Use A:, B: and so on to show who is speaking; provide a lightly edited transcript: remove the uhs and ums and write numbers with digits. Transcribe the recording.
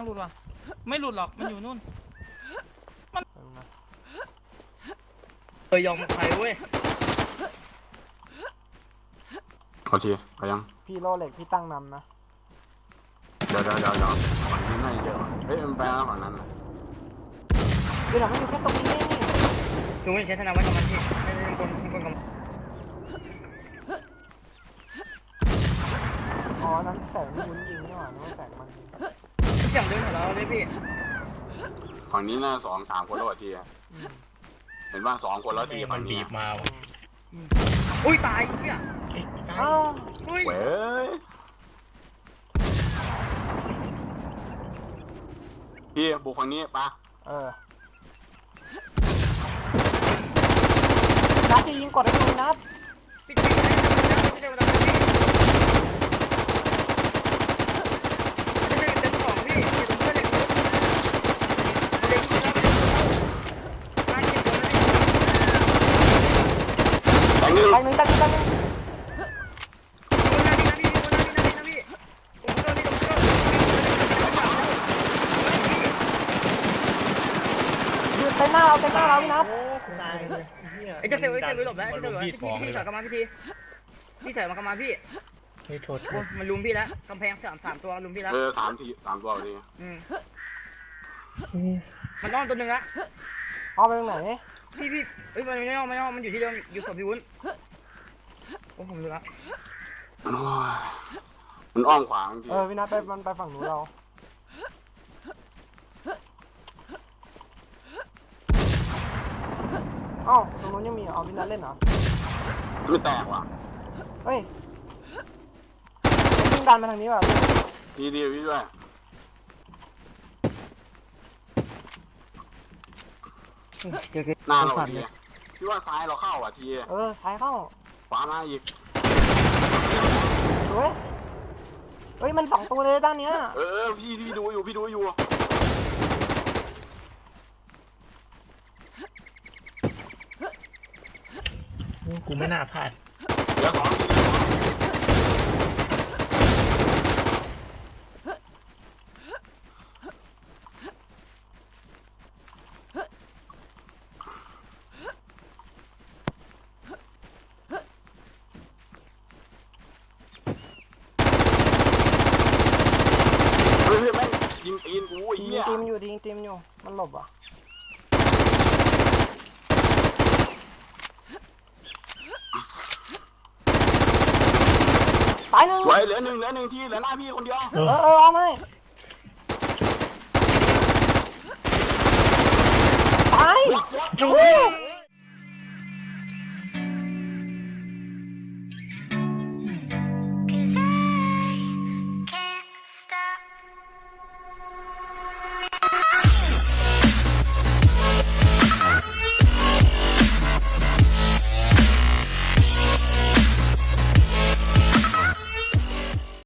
A: หลุดว่ะไม่หลุดหรอกมันอยู่นู่น
B: ยอมใครเว้ย
C: ขอทีไปยัง
D: พี่โลเหล็กพี่ตั้งนำนะ
C: เดี๋ยวฝั่งนี้น่าจะเยอะเฮ้ยมันไปแล้วฝั่งนั้น
D: เดี๋ยวมันอยู่แค่ตรงนี้
B: ดูไม่ใช่ธนาวัฒน์กับมันที่ไม่ใช่คนกับ
D: อ๋อนั้นแสงมันยิงนี่หว่านึกว่าแสงมัน
B: เสียงเดินของเราเลยพี่
C: ฝั่งนี้น่า2-3 คนแล้วทีเห็นว่า2 คนแล้วทีฝั่งนี้
E: มา
B: อุ้ยตายเนี่ย
D: อ้าว
B: อุ้ย
C: เว้ยพี่บุกฝั่งนี้ปะ
D: นัดจะยิงกดได้ดูนัด
B: พี่เต็มของพี่ตรงเพื่อน
C: ตั้งนึง
D: เต็มหน้าเราพี่นัด
B: ไอ้เจ้าเซลล์หลบแล้วไอ้เจ้าเซลล์พี่ถอยกลับมาพี่ถอยมากลับมาพี่
E: โทษ
B: มันลุมพี่แล้วกำแพง3 ตัวลุมพี่แล้ว
C: 3 ตัวดิ
B: มันอ้อมตัวหนึ่งละ
D: เอาไปตรงไหน
B: พี่เอ้ยมันไม่อ้อมมันอยู่ที่เดิมอยู่กับพี่วุ้นโอ้ผมรู้ละ
C: มันอ้อมขวางจริง
D: พี่นัทมันไปฝั่งหนูเราอ้าวตรงนู้นยังมีพี่นัทเล่นเหรอ
C: ไม่แตกว่ะ
D: เฮ้ยยิงดันมาทางนี้ว่ะ
C: ดีพี่ด้วยหน้าเราทีพี่ว่าซ้ายเราเข้าอ่ะที
D: ซ้ายเข้า
C: ขวามาอีก
D: เฮ้ยมัน2 ตัวเลยด้านเนี้ย
C: พี่ดูอยู่
E: กูไม่น่าพลาด
C: เดี๋ยว2 ยิงตีนกู
D: ยิงตีมอยู่มันหลบอ่ะตายหนึ่ง
C: สวยเหลือหนึ่งที่เหลือหน้าพี่คนเดียว
D: เอาไหม